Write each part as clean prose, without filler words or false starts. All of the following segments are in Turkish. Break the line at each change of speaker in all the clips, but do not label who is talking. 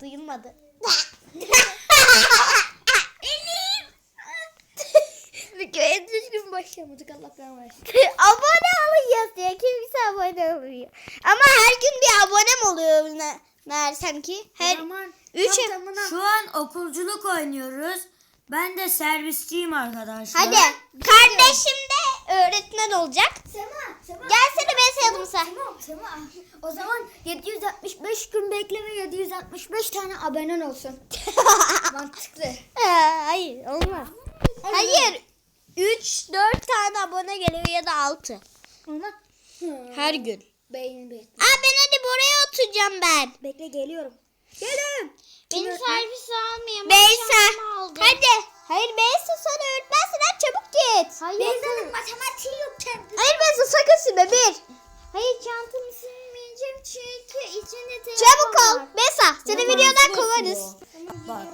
Duyulmadı.
Videoya düzgün başlamadık, Allah versin.
Abone olun yazıyor. Kimse abone olmuyor. Ama her gün bir abonem oluyor meğersem ki. Her
Zaman
3
Şu an okulculuk oynuyoruz. Ben de servisçiyim arkadaşlar.
Hadi. Kardeşim de öğretmen olacak.
Sema.
Gelsene ben sayalım sen.
Sema. O zaman 765 gün bekle ve 765 tane abonen olsun. Mantıklı.
Hayır olmaz. Hayır. 3-4 tane abone geliyor ya da 6.
Ama
Her gün.
beğeni bekle.
Ben hadi buraya oturacağım ben.
Bekle, geliyorum. Geliyorum.
Beni servis almıyor. Beysa. Hadi. Hayır Beysa sen öğretmensin. Hadi çabuk git. Hayır.
Beyza'nın matematiği yok kendi.
Hayır Beysa sakın silme bir.
Hayır, çantamı silmeyeceğim çünkü içinde telefon
Çabuk ol.
var.
Beysa seni videodan kovarız.
Bak.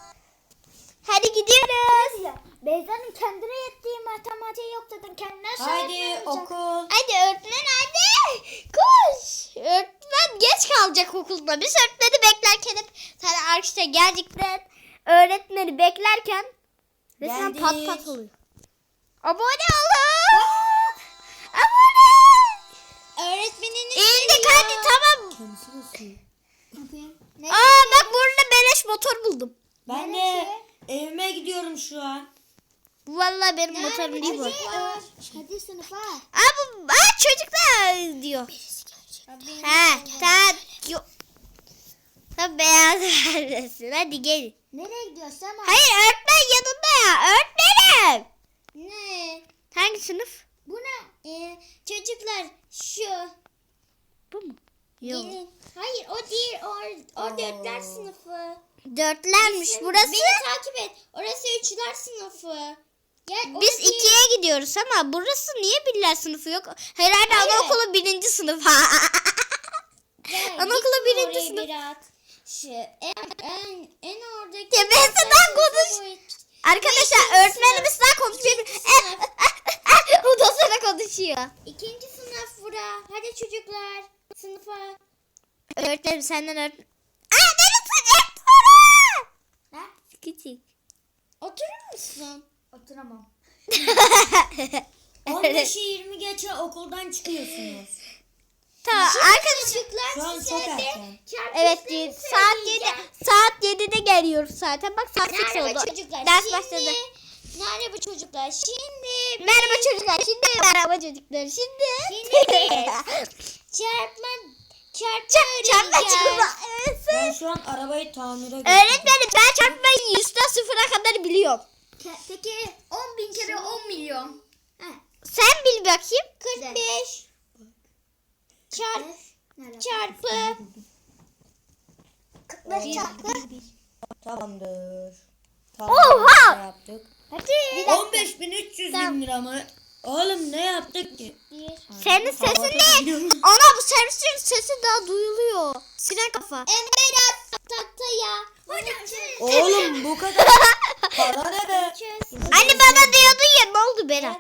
Hadi gidiyoruz.
Ya, Beyza'nın kendine yettiği matematiği yok zaten, kendine
Haydi okul.
Hadi öğretmen hadi. Koş. Öğretmen geç kalacak okulda. Biz öğretmeni beklerken hep sen arkadaşlar gerçekten öğretmeni beklerken resmen
Geldik.
pat pat oluyor. Abone olun. Abone.
Öğretmeniniz
İndik hadi tamam.
Kendisi basıyor.
Ne?
Bak burada beleş motor buldum.
Ben de evime gidiyorum şu an.
Bu vallahi benim motorum değil bu.
Hadi sınıfa.
Çocuklar diyor. Tamam. Yok. Sen beyaz neredesin? Hadi gel.
Nereye gidiyorsun Sema?
Hayır öğretmen yanında ya. Öğretmenim.
Ne?
Hangi sınıf?
Bu ne? Çocuklar şu.
Bu mu? Yok.
Gelin. Hayır o değil. O dörtler sınıfı.
Dörtlermiş burası.
Beni takip et. Orası üçler sınıfı. Gel,
Biz ikiye gidiyoruz ama burası niye birler sınıfı yok? Herhalde
Hayır.
anaokulu 1. sınıf. Anaokulu 1. sınıf.
Şu en oradaki.
Ya ben sana konuş. Arkadaşlar öğretmenimiz daha konuşuyor. O da sana konuşuyor.
İkinci sınıf bura. Hadi çocuklar. Sınıfa.
Öğretmenim senden öğretmen. Benim sıcak
Ne?
küçük.
Oturur musun? Oturamam.
15'i 20 geçe okuldan çıkıyorsunuz.
Tamam arkadaşlar.
Çocuklar
Şu an
size
çok
bir
erken.
Evet
çarpışmayı
saat 7.
söyleyeceğim.
Saat 7'de geliyoruz zaten. Bak saat 8
Merhaba
oldu.
çocuklar.
Ders
Şimdi-
başladı.
Merhaba çocuklar. Şimdi
Merhaba çocuklar. Şimdi merhaba çocuklar. Şimdi.
çarpma
Çarpma
öğreneceğiz.
çarpma.
Ben şu an arabayı tamire götürdüm.
Öğretmenim ben çarpmayı 100'den 0'a kadar biliyorum.
Peki 10.000 kere 10 milyon.
Sen bil bakayım.
45 çarpı 45 çarpı.
Tamamdır.
Oha!
Ne yaptık?
Hadi.
15.300 bin lira mı? Oğlum ne yaptık ki?
Senin sesin
Havada
ne?
gidiyorum.
Ana bu servisin sesi daha duyuluyor. Siren kafa.
Emberat tahtaya.
Oğlum bu kadar para ne be?
Anne bana diyordun ya ne oldu Berat?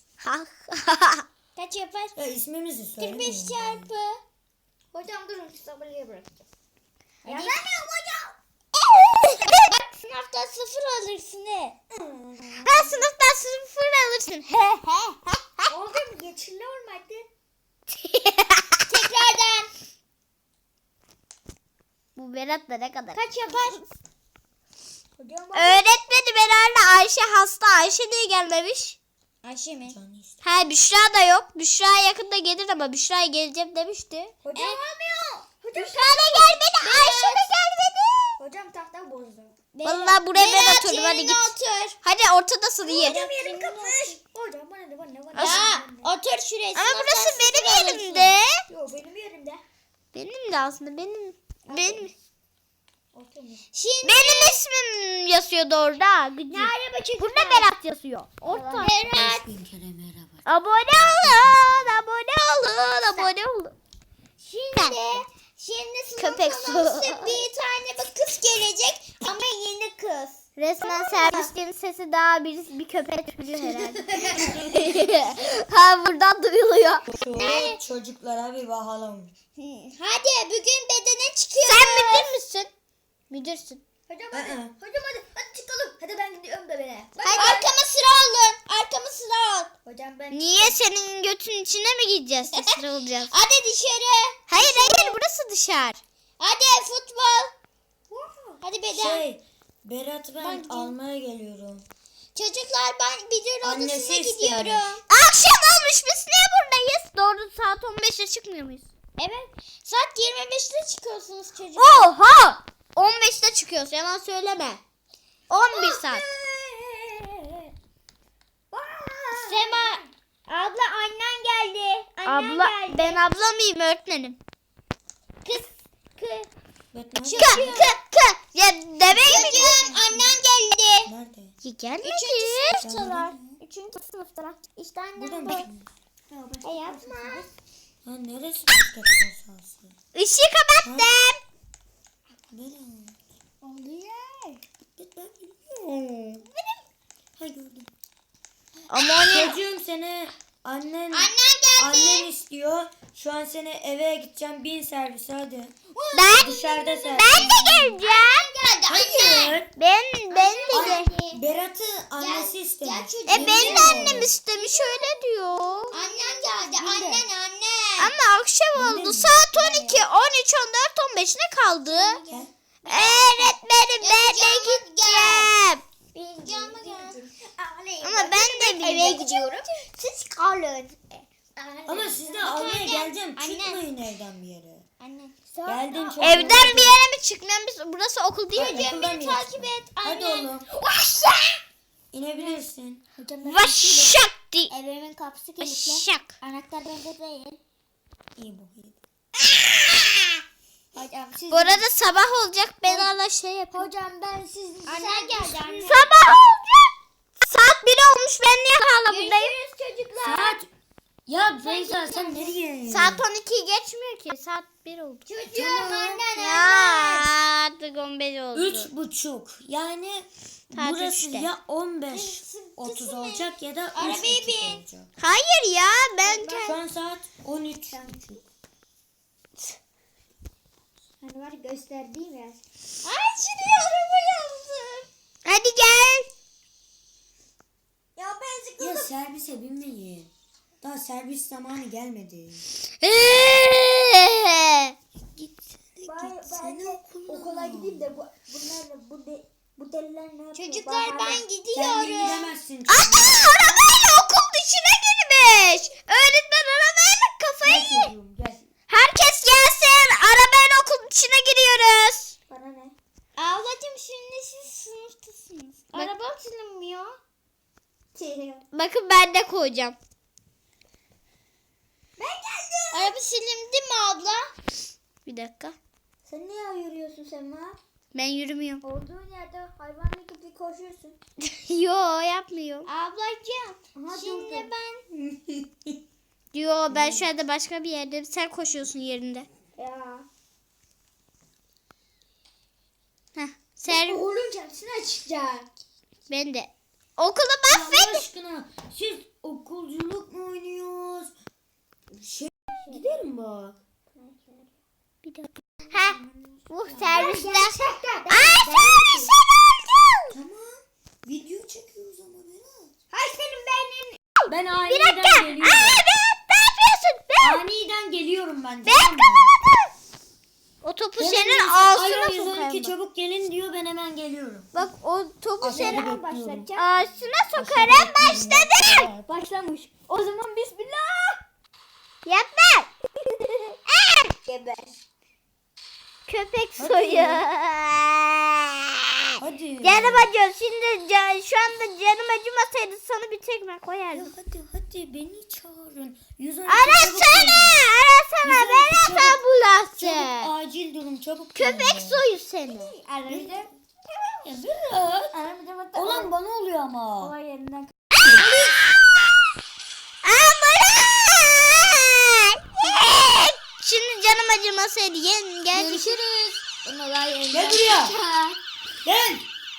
Kaç yapar?
Ya ismimizi söyle.
45 çarpı. Hocam durun, sabırlıya bırakacağız. Yazamıyorum hocam. Bak sınavda 0 alırsın he.
Ha sınıftan 0 alırsın.
Oldu mu? Geçiliyor mu hadi? Tekrardan.
Bu Berat da ne kadar?
Kaç yapar? Hocam
Öğretmenim herhalde Ayşe hasta. Ayşe niye gelmemiş?
Ayşe mi?
Ha Büşra da yok. Büşra yakında gelir ama Büşra'ya geleceğim demişti.
Hocam olmuyor. Hocam
Büşra da gelmedi. Ayşe de gelmedi.
Hocam tahta bozdu.
Vallahi buraya ben
Berat
oturdum. Hadi
yerine
git.
otur.
Hadi ortadasın iyi.
Hocam yerim kapmış. Hocam bana.
Ya,
otur şuraya.
Ama
sınıftan
burası
sıfır
benim
alırsın.
yerimde.
Yok benim yerimde.
Benim de aslında benim.
Oturmuyor. Şimdi
Benim ismim yazıyordu orada. Gıcık.
merhaba çocuklar.
Burada Berat yazıyor. Orta.
Berat.
5000 kere merhaba.
Abone olun. Abone olun. Abone olun.
Şimdi sınıf
Köpek
konusu
su.
bir tane bir kız gelecek ama yeni kız.
Resmen servislerin sesi daha bir köpek çocuğu herhalde. Ha buradan duyuluyor.
Şu çocuklara bir bakalım.
Hadi bugün bedene çıkıyoruz.
Sen müdür müsün? Müdürsün.
Hocam hadi. Hocam hadi çıkalım. Hadi ben gidiyorum da beni.
Hadi. Arkama sıra alın. Arkama sıra al.
Hocam ben.
Niye senin götün içine mi gideceğiz? Sıra olacağız. Hadi dışarı. Hayır burası dışarı. Hadi futbol. Hadi beden.
Berat'ı ben almaya geliyorum.
Çocuklar ben müdür
Annesi
odasına
istemiş.
gidiyorum. Akşam olmuş biz niye buradayız? Doğru saat 15'te çıkmıyor muyuz? Evet. Saat 25'te çıkıyorsunuz çocuklar. Oha! 15'te çıkıyoruz. Yalan söyleme. 11 saat.
Sema. Abla annen geldi.
Abla ben abla mıyım öğretmenim?
Kız.
Ya demeyi mi diyorsun? Annen geldi.
Nerede?
Ya gelmedi.
3. sınıftalar. 3. sınıftalar. İşte
Burada
annem
mı?
bu. Yapma.
Ha neresi basketbol sahası?
Işığı kapattım.
Berat.
Oluyor.
Git ben biliyorum. Ha gördüm.
Ama
Çocuğum seni annen annen istiyor. Şu an seni eve gideceğim. Bin servise hadi. Dışarıda servis.
Ben de geleceğim.
Hayır.
Ben de gel.
Berat'ı annesi istemiş.
Benim de annem istemiş öyle diyor.
Annen geldi. Annen.
Ama akşam oldu. Saat 12, 13, 14, 15 ne kaldı?
Gel.
Öğretmenim ben de gideceğim.
Canım gel.
Ama ben de eve gidiyorum.
Siz kalın.
Ama siz de almaya geleceğim. Çıkmayın evden bir yere.
Anne.
Geldin çok.
Evden bir yere mi çıkmıyorum? Burası okul değil mi?
Beni takip et. Hadi oğlum. İnebilirsin.
Vaşak di.
Evimin kapısı kilitli.
Vaşak.
Anahtar bende değil.
İyi bu.
Hocam siz.
Bu arada sabah olacak. Ben hala şey yapayım.
Hocam ben siz. Annen geldi anne.
Sabah olacak. Saat 1 olmuş. Ben niye hala buradayım?
Görüşürüz çocuklar.
Saat. Ya Beyza sen nereye?
Saat 12'yi geçmiyor ki. Saat 1 oldu.
Çocuğum annen.
Ya artık 15 oldu.
3:30. Yani
Saat
burası
3'te.
ya 15:30 olacak ya da
Arabaya
3:30
bin.
olacak.
Hayır ya ben
Şu an saat 13.
Hani var gösterdiğim yer.
Ay şimdi araba yazdım. Hadi gel.
Ya ben
Ya servise binmeyin. Daha servis zamanı gelmedi. Git.
Ben okula gideyim de bu deliler ne yapıyor?
Çocuklar ben
Kendin
gidiyorum.
gidemezsin.
Ana arabayla okul dışına girmiş. Öğretmen arabayla kafayı
Gel
yiyor.
çocuğum gel.
Herkes gelsin. Arabayla okul dışına giriyoruz.
Bana ne?
Ablacığım şimdi siz sınıftasınız.
Arabam silinmiyor.
Bakın ben de koyacağım.
Ben geldim.
Araba silindi mi abla? Bir dakika.
Sen niye yürüyorsun Sema?
Ben yürümüyorum.
Olduğun yerde hayvanla gibi koşuyorsun.
Yo yapmıyorum.
Ablacığım. Şimdi ben.
Yo ben şu anda başka bir yerdeyim. Sen koşuyorsun yerinde.
Ya.
Heh. Sen
Olunca hepsine çıkacak.
ben de. Okulu
Allah
mahvet.
aşkına siz okulculuk mu oynuyoruz? Giderim bak.
Bir dakika. Ha. Bu servisler.
Gerçekten.
Ay servisten öldüm.
Tamam. Video çekiyoruz ama Berat.
Hay senin beynin.
Ben
Bir
aniden
dakika.
geliyorum.
Ay ne yapıyorsun?
Aniden geliyorum ben.
Ben
tamam mı?
kazanamadım. O topu senin ağzına
Alo
sokayım.
112
bak.
çabuk gelin diyor ben hemen geliyorum.
Bak o topu
Aşağıda
senin
bekliyorum.
Başlayacağım.
ağzına sokarım başladı.
Başlamış. O zaman bismillah.
Yapma.
Geber.
Köpek
Hadi.
soyu.
Hadi.
Canım acıyor. Şimdi şu anda canım acımasaydı sana bir tekme
Ya
koyardım.
hadi beni çağırın. 112 çabuk
Arasana.
gelin.
Arasana. Ben
Çabuk,
ata
Çabuk
bulası.
acil durum çabuk
Köpek
gelin.
soyu seni.
Aradım.
Ya Berat.
Aradım.
Olan bana oluyor ama.
Olay yerinden.
Şimdi canım acımasaydı gel.
Görüşürüz. Olay yerinden.
Gel buraya. Gel.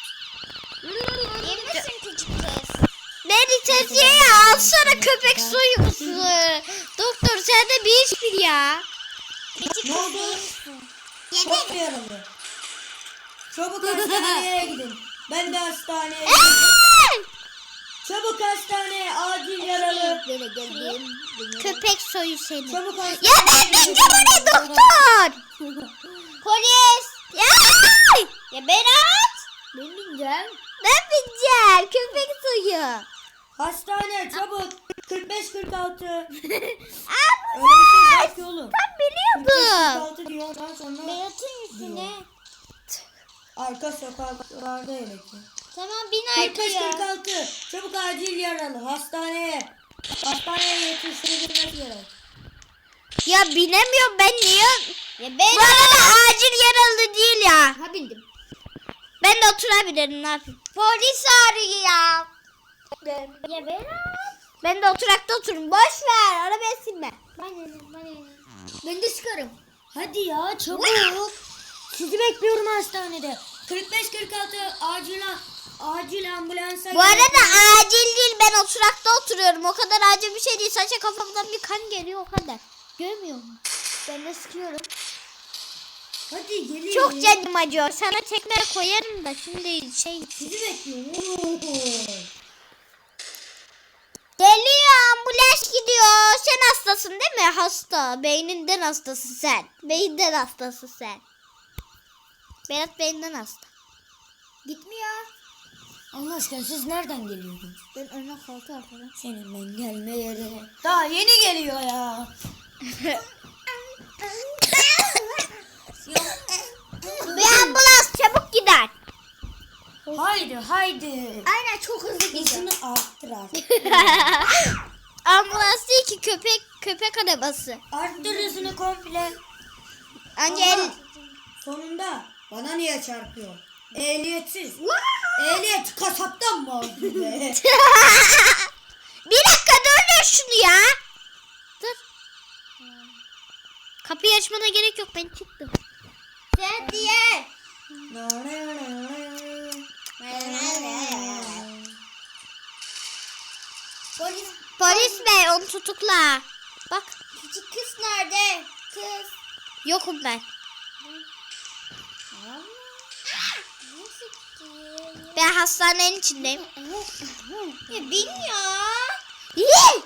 İyi misin küçük kız?
Beni tetiğe alsana köpek soyusu. Doktor sen de bir iş bil ya.
Ne oldu? Çok mu yaralı? Çabuk hastaneye gidin. Ben de hastaneye gidin.
Ey!
Çabuk hastaneye, acil yaralı.
Köpek soyu seni.
Çabuk
Ya
hastaneye
ben
gidin.
bineceğim oraya doktor.
Polis.
Ya!
Ya Berat. Ben bineceğim.
Ben bineceğim. Köpek soyu.
Hastane çabuk. 45-46. Öyle bir şey
Ambulans.
yok ki oğlum.
Ben biliyordum.
45-46 diyor ondan sonra
Berat'ın üstüne.
arka sokaklarda elekti.
Tamam bin arkaya.
45-46. Çabuk acil yaralı. Hastaneye. Hastaneye yetiştirilmek gerek.
Ya binemiyorum ben niye?
Ya
Bu arada acil yaralı değil ya.
Ha bindim.
Ben de oturabilirim ne yapayım?
Polis arıyor. Ya Berat.
Ben de oturakta otururum. Boş ver. Arabaya silme.
Ben de çıkarım.
Hadi ya çabuk. Sizi bekliyorum hastanede. 45-46 acil ambulansa.
Bu arada acil değil. Ben oturakta oturuyorum. O kadar acil bir şey değil. Sadece kafamdan bir kan geliyor o kadar. Görmüyor musun?
Ben de sıkıyorum.
Hadi gelin.
Çok canım acıyor. Sana tekme koyarım da şimdi şey.
Sizi bekliyorum.
Geliyor ambulans gidiyor. Sen hastasın değil mi? Hasta. Beyninden hastasın sen. Beyinden hastasın sen. Berat beyinden hasta.
Gitmiyor.
Allah aşkına siz nereden geliyordunuz?
Ben önüne koltuğa arkadan.
Senin ben gelme yerine. Daha yeni geliyor ya.
Bir ambulans çabuk gider.
Haydi.
Aynen çok hızlı gidiyor.
Hızını arttır artık.
Ambulans değil ki köpek arabası.
Arttır hızını komple.
Anca
Aha, sonunda bana niye çarpıyor? Ehliyetsiz. Ehliyet kasaptan mı aldın be?
Bir dakika dur şunu ya. Dur. Kapıyı açmana gerek yok ben çıktım.
Sen diye. Polis.
Polis bey onu tutukla. Bak
Küçük kız nerede? Kız.
yokum ben.
Nasıl gidiyor?
Ben hastanenin içindeyim.
Ya bin ya.
Yee!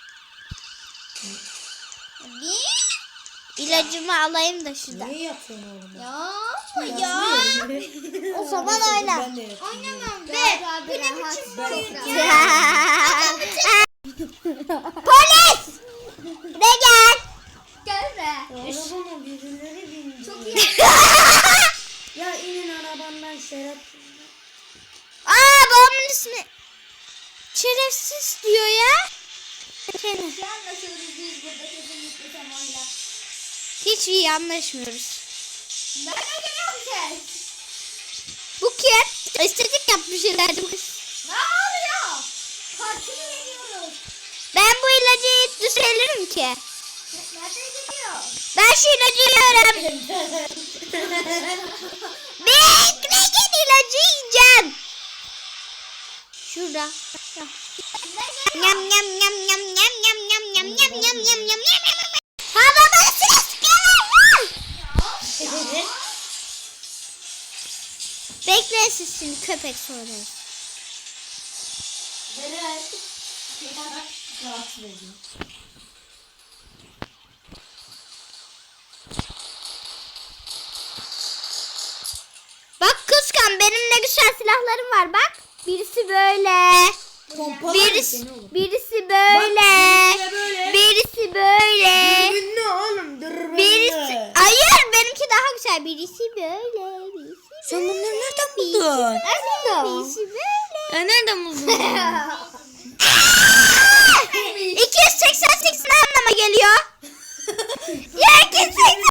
Bin.
İlacımı alayım da şuradan.
Niye yapıyorsun oğlum?
Ya.
O zaman oyna.
Ben de yapıyorum.
Oynamam be. Bu ne biçim oyun ya?
Polis! De gel.
Gel be.
Arabama birileri bindi.
Çok iyi.
Ya inin arabandan şeref.
Babamın ismi. Şerefsiz diyor ya. Seni.
Anlaşıyoruz biz burada kesinlikle Semo'yla.
Hiç iyi anlaşmıyoruz.
Nereden geliyor bu ses?
Bu kim? Estetik yapmış herhalde bu kız.
Ne oluyor? Partili veriyoruz.
Ben bu ilacı düzelirim ki.
Nereden geliyor?
Ben şu ilacı yiyorum. Bekleyin ilacı yiyeceğim. Şurada. Yam yam yam yam yam yam yam yam yam yam yam yam yam. Ha baba sıkıyorlar. Bekle siz şimdi köpek soruları.
Rahatsız ediyor.
Bak kıskan benim ne güzel silahlarım var bak. Birisi böyle.
Pompalar
Birisi
seni oğlum.
birisi böyle.
Bak, böyle.
Birisi böyle.
Dürbünlü oğlum dürbünlü.
Birisi hayır benimki daha güzel. Birisi böyle. Birisi
Sen bunları nereden buldun?
birisi böyle.
Nereden buldun?
288 ne anlama geliyor? Ya 288